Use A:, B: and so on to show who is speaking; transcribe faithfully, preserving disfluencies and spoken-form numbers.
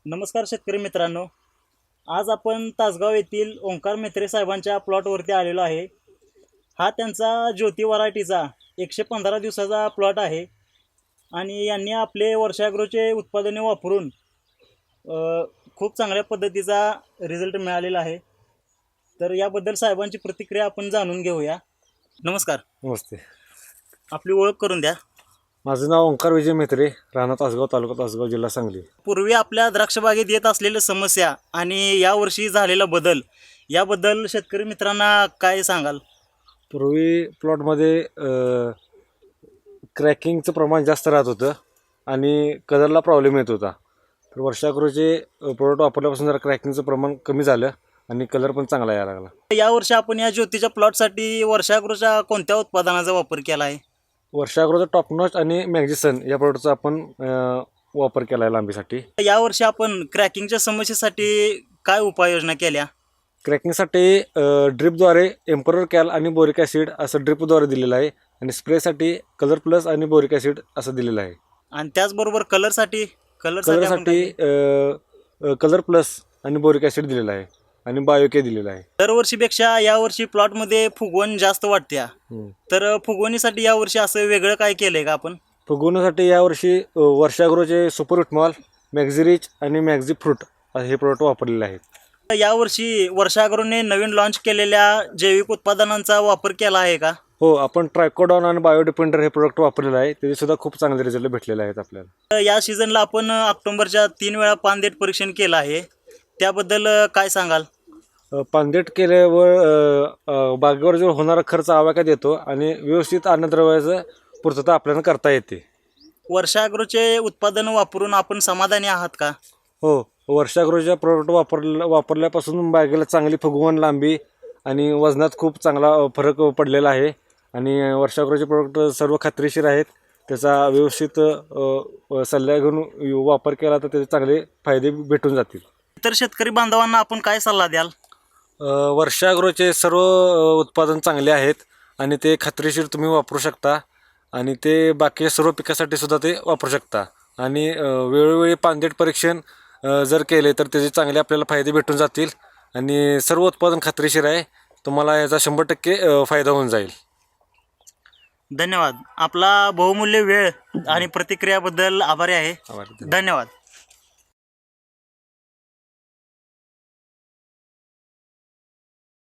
A: नमस्कार शेतकरी मित्रांनो, आज आपण तासगाव येथील ओंकार मेत्रे साहेबांच्या प्लॉटवरती आलेलो आहे. हा त्यांचा ज्योती व्हरायटीचा एकशे पंधरा दिवसाचा प्लॉट आहे आणि यांनी आपले वर्षा ॲग्रोचे उत्पादने वापरून अ, खूप चांगल्या पद्धतीचा रिझल्ट मिळालेला आहे. तर याबद्दल साहेबांची प्रतिक्रिया आपण जाणून घेऊया. नमस्कार,
B: नमस्ते.
A: आपली ओळख करून द्या.
B: माझं नाव ओंकार विजय मेत्रे, राहणार तासगाव, तालुका तासगाव, जिल्हा सांगली.
A: पूर्वी आपल्या द्राक्ष बागेत येत असलेल्या समस्या आणि यावर्षी झालेला बदल याबद्दल शेतकरी मित्रांना काय सांगाल?
B: पूर्वी प्लॉटमध्ये क्रॅकिंगचं प्रमाण जास्त राहत होतं आणि कलरला प्रॉब्लेम येत होता. तर वर्षागृहचे प्रोडक्ट वापरल्यापासून जरा क्रॅकिंगचं प्रमाण कमी झालं आणि कलर पण चांगला यायला लागला.
A: यावर्षी आपण या ज्योतीच्या प्लॉटसाठी वर्षागृहच्या कोणत्या उत्पादनाचा वापर केला आहे?
B: वर्षागृहचं टॉपनॉच आणि मॅग्झिसन या प्रोडक्टचा आपण अं, वापर केला आहे लांबीसाठी.
A: यावर्षी आपण क्रॅकिंगच्या समस्येसाठी काय उपाययोजना केल्या?
B: क्रॅकिंगसाठी ड्रिपद्वारे एम्परर कॅल आणि बोरिक ॲसिड असं ड्रिपद्वारे दिलेलं आहे आणि स्प्रेसाठी कलर प्लस आणि बोरिक ॲसिड असं दिलेलं आहे.
A: आणि त्याचबरोबर कलरसाठी
B: कलरसाठी कलर प्लस आणि बोरिक ॲसिड दिलेला आहे आणि बायोके दिलेला आहे.
A: दरवर्षीपेक्षा यावर्षी प्लॉटमध्ये फुगवण जास्त वाटते. तर फुगवणीसाठी यावर्षी असं वेगळं काय केलंय का आपण?
B: फुगवण्यासाठी यावर्षी वर्षागृहचे सुपर विटमॉल, मॅक्झिरिच आणि मॅक्झी फ्रूट हे प्रोडक्ट वापरलेले आहेत.
A: यावर्षी वर्षागृहने नवीन लॉन्च केलेल्या जैविक उत्पादनांचा वापर केला आहे का?
B: हो, आपण ट्रायकोडॉन आणि बायोडिपेंडर हे प्रोडक्ट वापरलेलं आहे. त्याचे सुद्धा खूप चांगले रिझल्ट भेटलेले आहेत आपल्याला.
A: तर या सीझनला आपण ऑक्टोबरच्या तीन वेळा पानदेट परीक्षण केलं आहे, त्याबद्दल काय सांगाल?
B: पानदेट केल्यावर बागेवर जो होणारा खर्च आवाक्यात येतो आणि व्यवस्थित अन्नद्रव्याचं पूर्तता आपल्याला करता येते.
A: वर्षागृहचे उत्पादन वापरून आपण समाधानी आहात का?
B: हो, वर्षागृहच्या प्रोडक्ट वापरल्या वापरल्यापासून बागेला चांगली फुगवण, लांबी आणि वजनात खूप चांगला फरक पडलेला आहे आणि वर्षागृहचे प्रोडक्ट सर्व खात्रीशीर आहेत. त्याचा व्यवस्थित सल्ला घेऊन वापर केला तर त्याचे चांगले फायदे भेटून जातील.
A: इतर शेतकरी बांधवांना आपण काय सल्ला द्याल?
B: वर्षागृहचे सर्व उत्पादन चांगले आहेत आणि ते खात्रीशीर तुम्ही वापरू शकता आणि ते बाकीच्या सर्व पिकासाठी सुद्धा ते वापरू शकता आणि वेळोवेळी पानदेट परीक्षण जर केले तर त्याचे चांगले आपल्याला फायदे भेटून जातील आणि सर्व उत्पादन खात्रीशीर आहे. तुम्हाला याचा शंभर टक्के फायदा होऊन जाईल.
A: धन्यवाद. आपला बहुमूल्य वेळ आणि प्रतिक्रियाबद्दल आभारी आहे. धन्यवाद.